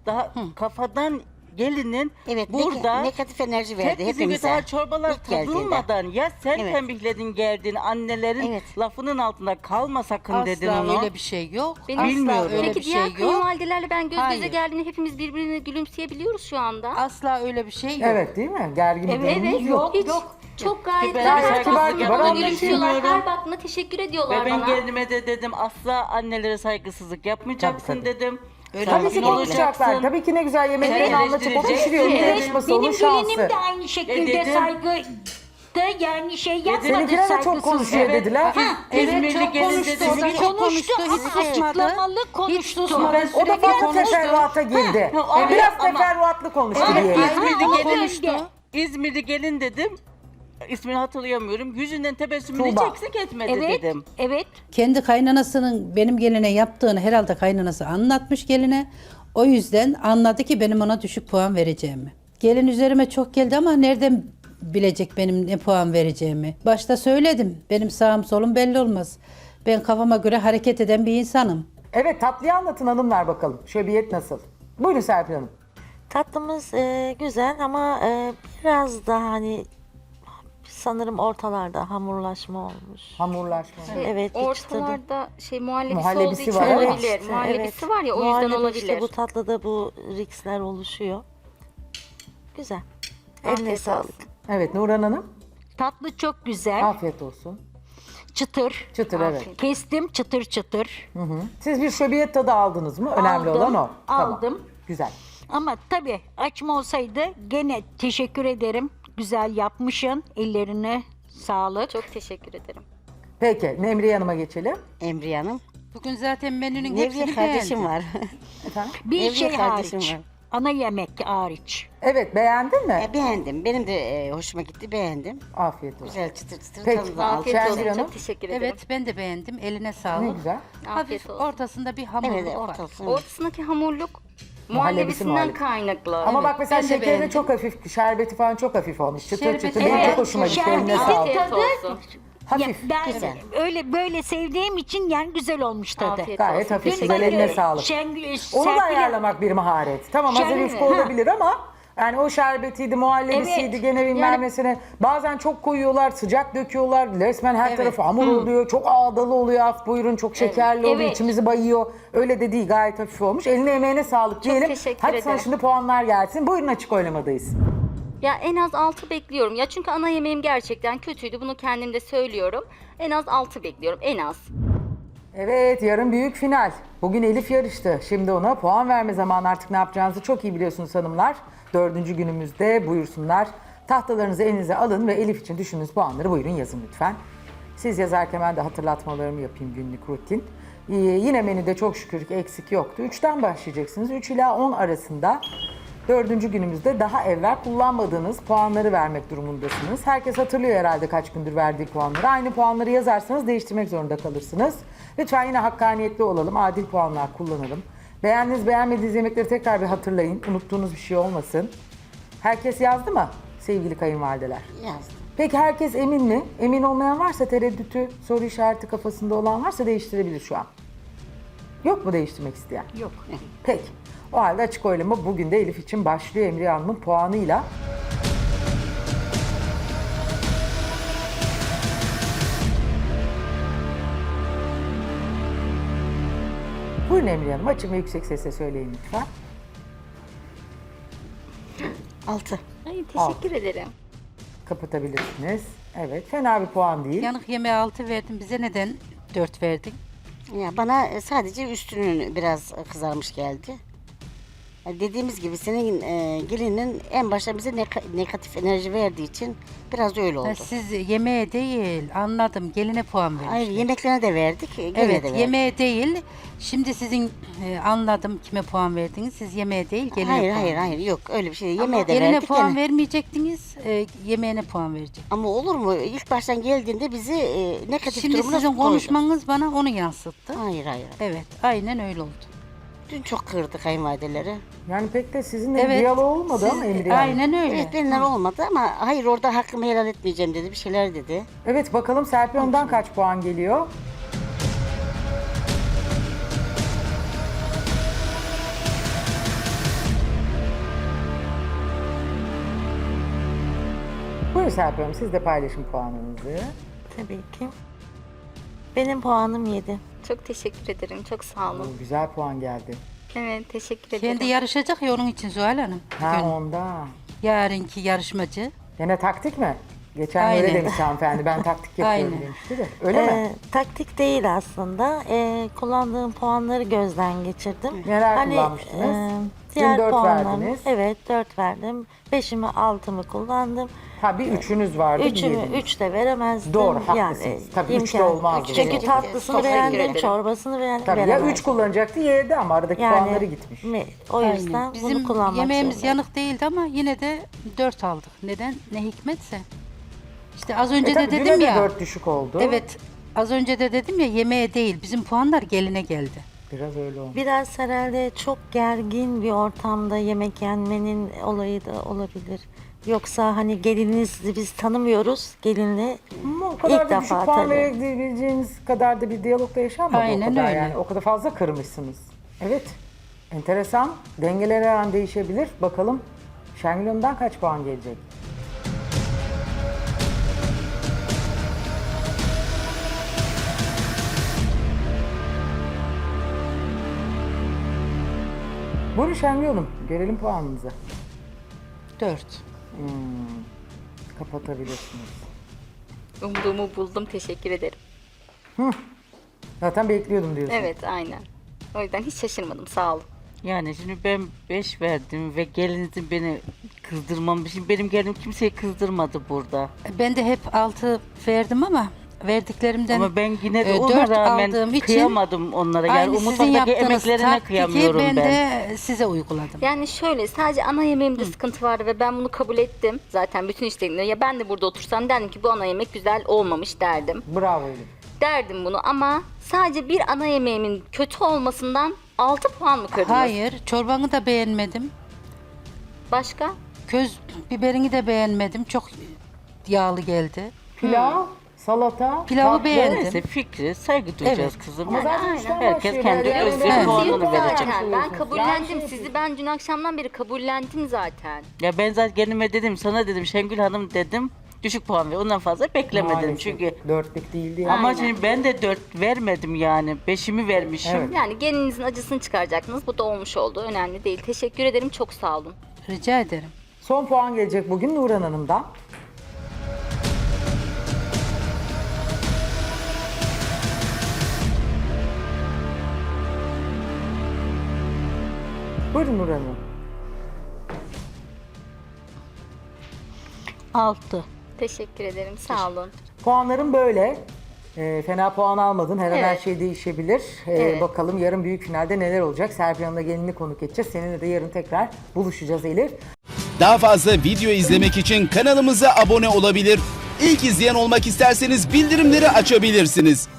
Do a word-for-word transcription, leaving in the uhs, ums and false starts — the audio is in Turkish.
daha kafadan gelinin Evet, burada neg- negatif enerji verdi hepimize hepimize. daha çorbalar İlk geldiğinde. tadılmadan ya sen Evet. tembihledin geldin annelerin Evet. lafının altında kalma sakın dedin Asla onu. öyle bir şey yok. Benim- Asla Bilmiyorum. öyle Peki bir diğer şey yok. kayınvalidelerle ben göz göze Hayır. geldiğinde hepimiz birbirine gülümseyebiliyoruz şu anda. Asla öyle bir şey yok. Evet değil mi? Gergin bir Evet, durumumuz yok. Hiç. Çok gayet Ben her saygısızlık baktığında yapmam bana için gülümsüyorlar. bilmiyorum. Her baktığında teşekkür ediyorlar Ve ben bana. gelinime de dedim asla annelere saygısızlık yapmayacaksın Tabii, tabii. dedim. Öyle Tabii Sakin ki konuşacaklar. olacaksın. Tabii ki ne güzel yemeklerini Evet, anlatıp o eleştirecek. pişiriyor. Onun Evet, yarışması, onun Benim şansı. gelinim de aynı şekilde dedim. saygı da yani şey yapmadı, Seninkiler de çok saygısız. konuşuyor Evet. dediler. Ha, Evet, İzmirli çok gelin konuştu. dedi. O da çok konuştu. ama Hiç susmadı. açıklamalı Hiç konuştu. susmadı. Ben O da sürekli fazla konuştu. teferruata girdi. Ha, evet, Biraz ama- teferruatlı konuştu Evet, diyelim. İzmirli Ama gelin konuştu. İzmirli gelin dedim. İsmini hatırlayamıyorum. Yüzünden tebessümünü hiç Tuğba. eksik etmedi Evet, dedim. evet. Kendi kaynanasının benim geline yaptığını herhalde kaynanası anlatmış geline. O yüzden anladı ki benim ona düşük puan vereceğimi. Gelin üzerime çok geldi ama nereden bilecek benim ne puan vereceğimi? Başta söyledim. Benim sağım solum belli olmaz. Ben kafama göre hareket eden bir insanım. Evet, tatlıyı anlatın hanımlar bakalım. Şöbiyet nasıl? Buyurun Serpil Hanım. Tatlımız e, güzel ama e, biraz daha hani sanırım ortalarda hamurlaşma olmuş. Hamurlaşma. Evet, hiç tadı- Ortalarda şey muhallebisi, Muhallebisi olduğu için var, evet. olabilir. Muhallebisi var ya o yüzden Muhallebi olabilir. işte bu tatlıda bu riksler oluşuyor. Güzel. Eline Afiyet sağlık. olsun. Evet, Nurhan Hanım. Tatlı çok güzel. Afiyet olsun. Çıtır. Çıtır evet. Kestim çıtır çıtır. Hı hı. Siz bir şöbiyet tadı aldınız mı? Önemli Aldım, olan o. Tamam. aldım. Güzel. Ama tabii açma olsaydı gene teşekkür ederim. Güzel yapmışsın. Ellerine sağlık. Çok teşekkür ederim. Peki, Nemriye Hanım'a geçelim. Emriye Hanım. Bugün zaten menünün Nevriye hepsini kardeşim beğendim. var. Efendim? Bir Nevriye şey kardeşim hariç. var. Ana yemek hariç. Evet, beğendin mi? E, beğendim. Benim de e, hoşuma gitti. Beğendim. Afiyet olsun. Güzel çıtır çıtır Peki. tadı da aldım. Afiyet Şengül olsun. Hanım. Çok teşekkür ederim. Evet ben de beğendim. Eline sağlık. Ne güzel. Afiyet Hafif olsun. ortasında bir hamurluk Evet, var. ortası. Ortasındaki hamurluk Muhallebisi muhallebisinden muhallebi. kaynaklı. Ama bak mesela ben de şekeri de beğendim. çok hafif, şerbeti falan çok hafif olmuş. Çıtır Şerbeti- çıtır. Benim Evet, çok hoşuma gitti. şerbeti Eline sağlık. Afiyet tadı- olsun. Hafif. Ya ben güzel. öyle böyle sevdiğim için yani güzel olmuş tadı. Afiyet Gayet olsun. hafif. Dün Güzel, eline bakıyorum, sağlık. Şengül, Onu da Serpil- ayarlamak bir maharet. Tamam hazır Şengül, yufka ha. olabilir ama yani o şerbetiydi, muhallebisiydi, Evet. gene bilmem Yani- nesine. Bazen çok koyuyorlar, sıcak döküyorlar. Resmen her Evet. tarafı hamur oluyor. Çok ağdalı oluyor. Af buyurun çok şekerli oluyor. Evet. İçimizi bayıyor. Öyle de değil, gayet hafif olmuş. Eline emeğine sağlık diyelim. teşekkür Hadi sana ederim. şimdi puanlar gelsin. Buyurun, açık oylamadayız. Ya en az altı bekliyorum. Ya çünkü ana yemeğim gerçekten kötüydü. Bunu kendim de söylüyorum. En az altı bekliyorum. En az. Evet, yarın büyük final. Bugün Elif yarıştı. Şimdi ona puan verme zamanı, artık ne yapacağınızı çok iyi biliyorsunuz hanımlar. Dördüncü günümüzde buyursunlar. Tahtalarınızı elinize alın ve Elif için düşündüğünüz puanları buyurun yazın lütfen. Siz yazarken ben de hatırlatmalarımı yapayım, günlük rutin. Ee, yine menüde çok şükür ki eksik yoktu. Üçten başlayacaksınız. Üç ila on arasında dördüncü günümüzde daha evvel kullanmadığınız puanları vermek durumundasınız. Herkes hatırlıyor herhalde kaç gündür verdiği puanları. Aynı puanları yazarsanız değiştirmek zorunda kalırsınız. Lütfen yine hakkaniyetli olalım, adil puanlar kullanalım. Beğendiğiniz, beğenmediğiniz yemekleri tekrar bir hatırlayın. Unuttuğunuz bir şey olmasın. Herkes yazdı mı sevgili kayınvalideler? Yazdım. Peki herkes emin mi? Emin olmayan varsa, tereddütü, soru işareti kafasında olan varsa değiştirebilir şu an. Yok mu değiştirmek isteyen? Yok. Peki. O halde açık oylama bugün de Elif için başlıyor Emriye Hanım'ın puanıyla. Buyurun Emriye Hanım, açın ve yüksek sesle söyleyin lütfen. Altı. Ay, teşekkür Altı. ederim. Kapatabilirsiniz. Evet, fena bir puan değil. Yanık yemeğe altı verdim. Bize neden dört verdin? Ya bana e, sadece üstünün biraz kızarmış geldi. Ya dediğimiz gibi senin e, gelinin en başta bize neka- negatif enerji verdiği için biraz da öyle oldu. Ha, siz yemeğe değil anladım. Geline puan vermişler. Hayır, yemeklerine de verdik, gene Evet de verdik. yemeğe değil. Şimdi sizin e, anladım kime puan verdiniz. Siz yemeğe değil geline Hayır puan hayır verdiniz. hayır yok öyle bir şey değil. Ama Yemeğe de geline verdik puan gene. vermeyecektiniz. E, yemeğine puan verecek. Ama olur mu? İlk baştan geldiğinde bizi e, negatif Şimdi durumuna sizin koydu. konuşmanız bana onu yansıttı. Hayır hayır. Evet aynen öyle oldu. Dün çok kırdı kayınvalideleri. Yani pek de sizinle Evet. bir diyalog olmadı siz- ama Emriye Hanım. Aynen öyle. Evet benimle olmadı ama hayır orada hakkımı helal etmeyeceğim dedi. Bir şeyler dedi. Evet, bakalım Serpil Hanım'dan kaç puan geliyor? mi Serpil Hanım? Siz de paylaşın puanınızı. Tabii ki. Benim puanım yedi. Çok teşekkür ederim. Çok sağ olun. Oo, güzel puan geldi. Evet, teşekkür ederim. Kendi yarışacak ya onun için Zuhal Hanım. Ha Bugün onda. yarınki yarışmacı. Gene taktik mi? Geçen Aynen. öyle demiş hanımefendi. Ben taktik yapıyorum Aynen. demişti de. Öyle mi? Ee, taktik değil aslında. Ee, kullandığım puanları gözden geçirdim. Neler kullanmıştınız? e, Dün diğer dört puanlarım- verdiniz. Evet, dört verdim. Beşimi, altımı kullandım. Ha bir üçünüz vardı. bir Üçümü, yediniz. üç de veremezdim. Doğru, Yani, haklısınız. Tabii üç de imkan- olmazdı. Çünkü Evet. tatlısını Çok teşekkür beğendim, ederim. çorbasını beğendim. Tabii ya veremezdim. üç kullanacaktı yedi ama aradaki Yani, puanları gitmiş. mi- O yüzden Aynen. bunu Bizim kullanmak yemeğimiz zorundayım. yanık değildi ama yine de dört aldık. Neden? Ne hikmetse. İşte az E önce tabii de düne dedim de ya. dört düşük oldu. Evet. Az önce de dedim ya yemeğe değil. Bizim puanlar geline geldi. Biraz öyle oldu. Biraz herhalde çok gergin bir ortamda yemek yenmenin olayı da olabilir. Yoksa hani gelininizi biz tanımıyoruz. Gelinle Ama o kadar ilk da düşük defa puan tabii. verebileceğiniz kadar da bir diyalogda yaşanmadı Aynen o kadar öyle. yani. O kadar fazla kırmışsınız. Evet. Enteresan. Dengeler her an değişebilir. Bakalım Şengül Hanım'dan kaç puan gelecek? Buyurun Şengül Hanım. Görelim puanınızı. Dört. Kapatabilirsiniz. Umduğumu buldum. Teşekkür ederim. Zaten bekliyordum diyorsun. Evet, aynen. O yüzden hiç şaşırmadım. Sağ olun. Yani şimdi ben beş verdim ve gelinizin beni kızdırmamış. Şimdi benim gelinim kimseyi kızdırmadı burada. Ben de hep altı verdim ama verdiklerimden Ama ben yine de e, ona dört rağmen aldığım için kıyamadım onlara. Yani aynı o sizin mutfaktaki yaptığınız emeklerine taktiği kıyamıyorum ben, ben. de size uyguladım. Yani şöyle, sadece ana yemeğimde sıkıntı vardı ve ben bunu kabul ettim. Zaten bütün işlerimde ya ben de burada otursam derdim ki bu ana yemek güzel olmamış derdim. Bravo Elif. Derdim bunu ama sadece bir ana yemeğimin kötü olmasından altı puan mı kırdınız? Hayır, çorbanı da beğenmedim. Başka? Köz biberini de beğenmedim. Çok yağlı geldi. Pilav, salata, Pilavı tatlı. beğendim. Neyse fikri saygı duyacağız Evet. kızım. Ama zaten üçten Herkes başlıyor kendi yani. özel Evet. puanını Yok verecek. zaten. Ben kabullendim Yani sizi. Ben dün akşamdan beri kabullendim zaten. Ya ben zaten gelinime dedim, sana dedim Şengül Hanım dedim. Düşük puan ver. Ondan fazla beklemedim Maalesef. çünkü. Dörtlük değildi yani. Ama Aynen. şimdi ben de dört vermedim yani. Beşimi vermişim. Evet. Yani gelininizin acısını çıkaracaktınız. Bu da olmuş oldu. Önemli değil. Teşekkür ederim. Çok sağ olun. Rica ederim. Son puan gelecek bugün Nurhan Hanım'dan. Buyurun Nurhan Hanım. Altı. Teşekkür ederim. Sağ olun. Puanlarım böyle. Ee, fena puan almadın. Her an her Evet. şey değişebilir. Ee, Evet. Bakalım yarın büyük finalde neler olacak. Serpil Hanım'la gelinini konuk edeceğiz. Seninle de yarın tekrar buluşacağız Elif. Daha fazla video izlemek için kanalımıza abone olabilir. İlk izleyen olmak isterseniz bildirimleri açabilirsiniz.